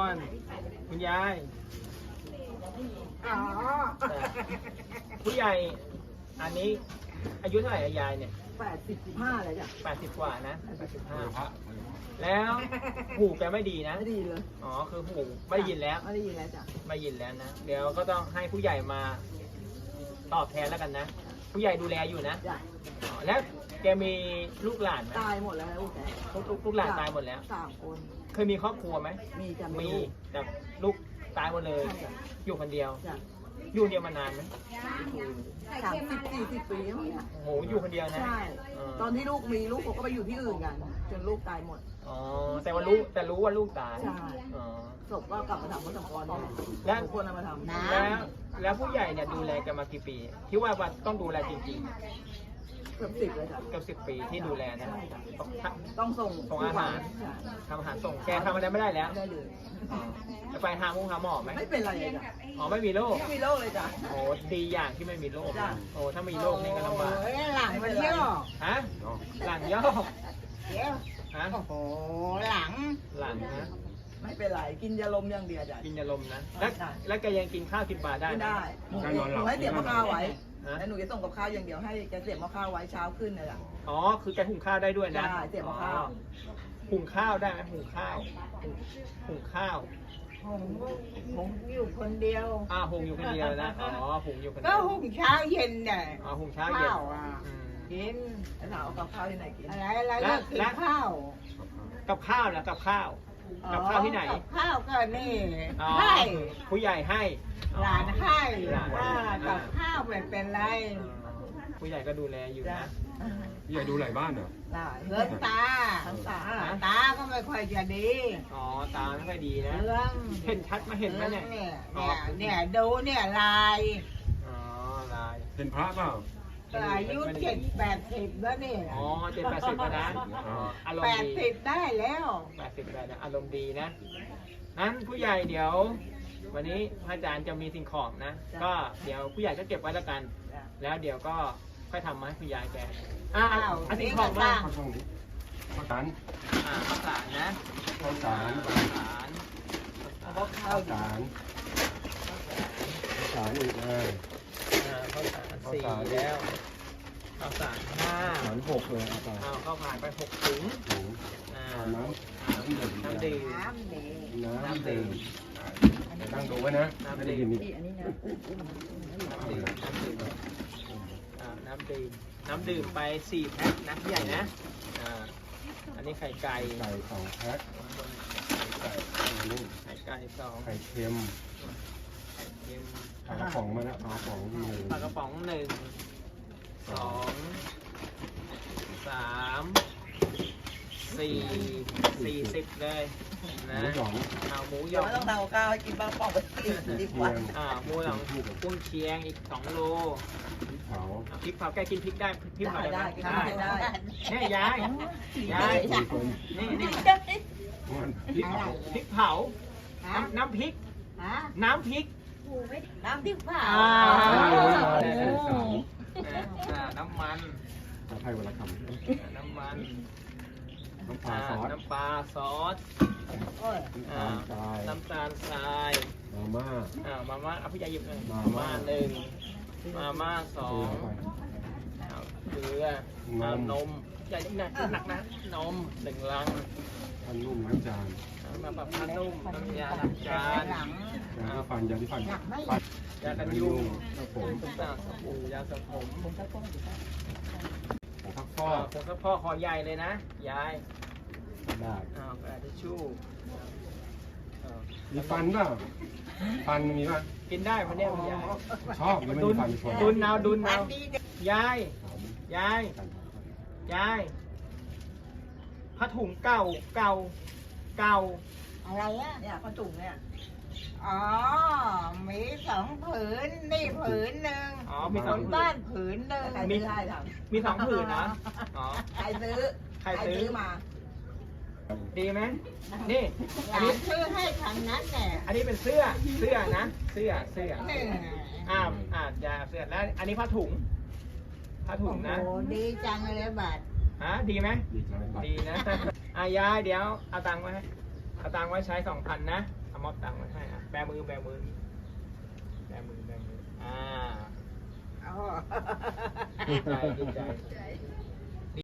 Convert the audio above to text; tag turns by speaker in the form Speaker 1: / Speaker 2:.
Speaker 1: อนคุณยาย
Speaker 2: อ๋อ
Speaker 1: ผู้ใหญ่อันนี้อายุเท่าไหร่อะยายเนี่ย
Speaker 2: 85เลยจ้ะ
Speaker 1: 80 กว่านะ
Speaker 3: พระ
Speaker 1: 85แล้วหูแกไม่ดีนะ
Speaker 2: ไม่ดีเลย
Speaker 1: อ๋อคือหูไม่ได้ยินแล้ว
Speaker 2: ไม่ได้ยินแล้วจ้ะ
Speaker 1: ไม่ยินแล้วนะเดี๋ยวก็ต้องให้ผู้ใหญ่มาตอบแทนแล้วกันนะ ผู้ใหญ่ดูแลอยู่นะ
Speaker 2: จ้ะ
Speaker 1: อ๋อแล้วแกมีลูกหลานไหม
Speaker 2: ตายหมดแล้วลูกแก
Speaker 1: ลูกหลานตายหมดแล้ว
Speaker 2: 3 คน
Speaker 1: เคยมีครอบครัวไหม
Speaker 2: มีจ้ะ
Speaker 1: มี
Speaker 2: ลูก
Speaker 1: แต่ลูกตายหมดเลย
Speaker 2: ใช่จ้ะ
Speaker 1: อยู่คนเดียว
Speaker 2: จ้ะ
Speaker 1: อยู่คนเดียวมานานไหม
Speaker 2: 30-40 ปีแล้วเนี่ย
Speaker 1: โอ้โหอยู่คนเดียวนะ
Speaker 2: ใช่
Speaker 1: เออ
Speaker 2: ตอนที่ลูกมีลูกเขาก็ไปอยู่ที่อื่นกัน จนลูกตายหมด
Speaker 1: อ๋อแต่ว่ารู้ว่าลูกตาย
Speaker 2: ใช่
Speaker 1: อ๋อ
Speaker 2: ศพก็กลับมาทำวัตกร
Speaker 1: แล้ว
Speaker 2: ทุกคนเอามาทำ
Speaker 1: แล้วผู้ใหญ่เนี่ยดูแลกันมากี่ปีที่ว่าต้องดูแลจริง
Speaker 2: เกือบ10เลยจ้ะ
Speaker 1: ๆเกือบ10 ปีที่ดูแลนะ
Speaker 2: ต้องส่ง
Speaker 1: ส่งอาหาร
Speaker 2: ใช่
Speaker 1: ทำอาหารส่งแกทำอะไรไม่ได้แล้ว
Speaker 2: ไม่ได้เลย
Speaker 1: อ๋อจะไปหาหมอไหม
Speaker 2: ไม่เป็นไรเลยจ้ะ
Speaker 1: อ๋อไม่มีโรค
Speaker 2: ไม่มีโรคเลยจ้ะ
Speaker 1: โอ้ดีอย่างที่ไม่มีโรค
Speaker 2: จ้ะ
Speaker 1: โอ้ถ้ามีโรคนี่ก็ลำบาก
Speaker 2: โอ้ยหลังมันเยอะ
Speaker 1: ฮะหลังย่อ
Speaker 2: เดี๋ยว
Speaker 1: ฮะ
Speaker 2: โอ้โหหลัง
Speaker 1: หลังนะ
Speaker 2: ไม่เป็นไรกินยาลมอย่างเดียวจ้ะ
Speaker 1: กินยาลมนะแล้วแกยังกินข้าวกินปลาได้
Speaker 2: ไม่
Speaker 1: ไหม
Speaker 2: ได้หนู
Speaker 3: การนอนหลับ
Speaker 2: ให้เสียบมะข้าวไว้
Speaker 1: ฮะ
Speaker 2: แล้วหนูจะส่งกับข้าวอย่างเดียวให้แกเสียบมะข้าวไว้เช้าขึ้นเลยจ้ะ
Speaker 1: อ๋อคือแกหุงข้าวได้ด้วยนะ
Speaker 2: ได้เสียบข้าว
Speaker 1: อ๋อหุงข้าวได้ไหมหุงข้าวหุงข้าว
Speaker 4: ผมอยู่คนเดียว
Speaker 1: หุงอยู่คนเดียวนะอ๋อหุงอยู่คนเดี
Speaker 4: ก็
Speaker 1: ยว
Speaker 4: หุงเช้าเย็นเนี่ย
Speaker 1: อ๋อหุงเช้าเย็น
Speaker 4: ข้าวอ่ะ
Speaker 1: อืม
Speaker 4: กิน
Speaker 2: แล้วถามเอากับข้าวที่ไหนกิน
Speaker 4: อะไรก็กินข้าว
Speaker 1: กับข้าวนะกับข้าว กับข้าวที่ไหน
Speaker 4: กับข้าวก็นี่
Speaker 1: อ๋อ
Speaker 4: ให้
Speaker 1: ผู้ใหญ่ให้
Speaker 4: หลานให้
Speaker 1: หลาน
Speaker 4: ว่ากับข้าวไม่เป็นไร
Speaker 1: ผู้ใหญ่ก็ดูแลอยู่
Speaker 2: จ้ะ
Speaker 1: นะ
Speaker 3: พี่ใหญ่ดูหลายบ้านเหรอ
Speaker 2: ได้
Speaker 4: เรื่องตา
Speaker 2: ทั้งตา
Speaker 4: ตาก็ไม่ค่อยจะดี
Speaker 1: อ๋อตาไม่ค่อยดีนะ
Speaker 4: เรื่อง
Speaker 1: เห็นชัดมาเห็นไหมเนี่ย
Speaker 4: เนี่ยดูเนี่ยลาย
Speaker 1: อ๋อลาย
Speaker 3: เป็นพระเปล่า
Speaker 4: ก็อายุ70-80แล้วนี่
Speaker 1: อ๋อ70-80แล้วนะอ๋ออารมณ์ดี
Speaker 4: 80ได้แล้ว
Speaker 1: 80แล้วนะอารมณ์ดีนะนั้นผู้ใหญ่เดี๋ยว วันนี้พระอาจารย์จะมีสิ่งของนะ ก็เดี๋ยวผู้ใหญ่ก็เก็บไว้แล้วกัน
Speaker 2: จ้ะ
Speaker 1: แล้วเดี๋ยวก็ค่อยทำมาให้คุณยายแกเอาสิ่งของมา
Speaker 3: ข้าวช่องนี้ข้าวสาร
Speaker 1: ข้าวสารนะ
Speaker 3: ข้าวสาร
Speaker 1: ข้าวสาร
Speaker 2: เอาข้าว
Speaker 3: ข้าวสารข้าวสารอีกเลย
Speaker 1: ข้าวสาร4แล้วข้าวสาร
Speaker 3: ข้าวสาร6เลยเอาไป
Speaker 1: ข้าวผ่านไป6 ถุง
Speaker 3: ถุง
Speaker 1: อ่า
Speaker 3: น้ำ
Speaker 1: น้ำดื่ม
Speaker 4: น้ำดี
Speaker 3: น้ำดื่มเดี๋ยวตั้งดูไว้นะไม่ได้ยินนี่
Speaker 2: นี่อันนี้นะ
Speaker 1: น้ำดื่มไป4 แพ็คนะพี่ใหญ่นะอันนี้ไข่ไก่
Speaker 3: ไก่2แพ็คไก่นี่
Speaker 1: ไข่ไก่2
Speaker 3: ไข่เค็ม
Speaker 1: ไข่เค็ม
Speaker 3: ปลากระป๋องมาแล้วปลากระป๋องหนึ่ง
Speaker 1: ปลากระป๋อง1 2 3 4 40เลย
Speaker 3: ห
Speaker 1: นะ
Speaker 3: มูหยอง
Speaker 1: เอาหมูหย
Speaker 2: เดี๋ยว
Speaker 1: อง
Speaker 2: ไม่ต้องทำกับข้าวให้กินบ้างปอกไปกินดีกว่า
Speaker 1: หมูหยองกุ้งเชียงอีก2 โล
Speaker 3: พริกเผา
Speaker 1: พริกเผาแกกินพริกได้พริกเผา
Speaker 2: ได้
Speaker 1: ได้
Speaker 2: ได้
Speaker 1: ได้
Speaker 2: ได้
Speaker 1: เนี่ยยาย
Speaker 3: สี่คน
Speaker 1: นี่
Speaker 3: มันพริกเผา
Speaker 1: พริกเผา น้ำพริก
Speaker 4: ฮะ
Speaker 1: น้ำพริก
Speaker 4: น้ำพริกเผา
Speaker 1: น้ำมัน
Speaker 3: จะให้วันละคำ
Speaker 1: น้ำมัน
Speaker 3: น้ำปลาซอส
Speaker 1: น้ำปลาซอส
Speaker 4: โอ้ย
Speaker 3: น้ำตาลทราย
Speaker 1: น้ำตาลทราย
Speaker 3: มาม่า
Speaker 1: มาม่าเอาพี่ยาหยิบเลย
Speaker 3: มาม่า
Speaker 1: 1มาม่า2เกลือนมใหญ่หนักนะนม1 ลัง
Speaker 3: พันนุ่มน้ำจาน
Speaker 1: มาแบบผ้านุ่มน้ำยาล้างจาน
Speaker 4: หลัง
Speaker 3: ยาที่ฟันยาที่ฟัน
Speaker 1: ยากันยุง
Speaker 3: ครับผม
Speaker 1: สบู่ยาสระผม
Speaker 3: ของพักฟ
Speaker 1: พ่อ
Speaker 3: อก
Speaker 1: ผมก็พ่อคอใหญ่เลยนะยาย
Speaker 3: ได้
Speaker 1: กระดาษทิชชู่
Speaker 3: มีฟันเปล่าฟันมีป่ะ
Speaker 1: กินได้ไหมเนี่ยคุณยาย
Speaker 3: ชอบหรือไม่
Speaker 1: ดุ
Speaker 3: มี
Speaker 1: น
Speaker 3: ฟันคน
Speaker 1: ดุนเอาดุนเอายายยายยายผ้าถุงเก่าเก่า
Speaker 4: อะไรอ่ะ
Speaker 2: เนี่ยข้าวจุ่มเนี่ย
Speaker 4: อ๋อ มี2 ผืน นี่ผืนหนึ่ง
Speaker 1: อ๋อมี
Speaker 4: ค
Speaker 1: สอง
Speaker 4: น
Speaker 1: ผื
Speaker 4: บ้าน นผืนหนึ่ง
Speaker 2: ใครซื้อให้ท
Speaker 1: มี2 ผืนนะอ๋อ
Speaker 2: ำใครซื้อ
Speaker 1: ใครซื้อ
Speaker 2: มา
Speaker 1: ดีไหมนี่
Speaker 4: ห
Speaker 1: อัน
Speaker 4: ลา
Speaker 1: นี้
Speaker 4: นซื้อให้ทางนั้นแหละ
Speaker 1: อันนี้เป็นเสื้อนะเสื้อ
Speaker 4: นี่
Speaker 1: ยาเสื้อแล้วอันนี้ผ้าถุงนะ
Speaker 4: โอ้โหดีจังเลยบัตร
Speaker 1: ดีไหม
Speaker 3: ดีจังเลย
Speaker 1: ดีนะ ยายเดี๋ยวเอาตังค์ไว้ให้เอาตังค์ไว้ใช้2,000นะเอามอบตังค์ไว้ให้อ่ะแบมือแบมืออ่า
Speaker 4: เอา
Speaker 1: ดีใจดีใจ